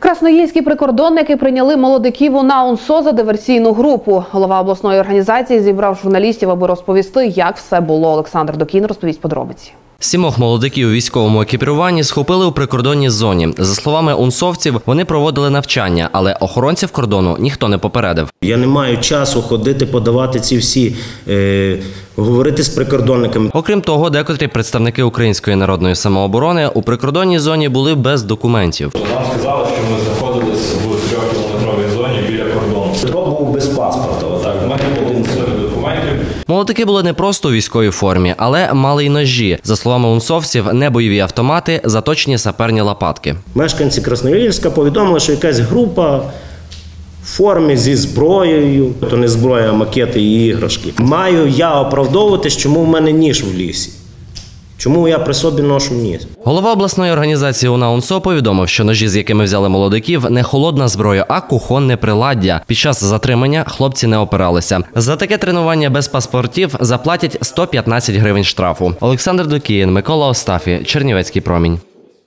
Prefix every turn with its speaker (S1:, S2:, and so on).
S1: Красноїльські прикордонники прийняли молодиків УНА УНСО за диверсійну групу. Голова обласної організації зібрав журналістів, аби розповісти, як все було. Олександр Докін розповість подробиці.
S2: 7 молодиків у військовому екіпіруванні схопили у прикордонній зоні. За словами унсовців, вони проводили навчання, але охоронців кордону ніхто не попередив.
S3: Я не маю часу ходити, подавати ці всі, говорити з прикордонниками.
S2: Окрім того, декотрі представники Української народної самооборони у прикордонній зоні були без документів.
S4: Нам сказали, що ми знаходились в 3-кілометровій зоні біля кордону.
S3: Петро був без паспорта.
S4: Так, в мене було документів.
S2: Молодики були не просто у військовій формі, але мали й ножі. За словами унсовців, не бойові автомати, заточені саперні лопатки.
S3: Мешканці Красноїльська повідомили, що якась група в формі зі зброєю, то не зброя, а макети і іграшки. Маю я оправдовуватись, чому в мене ніж в лісі. Чому я при собі ношу ніж?
S2: Голова обласної організації УНА УНСО повідомив, що ножі, з якими взяли молодиків, не холодна зброя, а кухонне приладдя. Під час затримання хлопці не опиралися. За таке тренування без паспортів заплатять 115 гривень штрафу. Олександр Докін, Микола Остафі, Чернівецький промінь.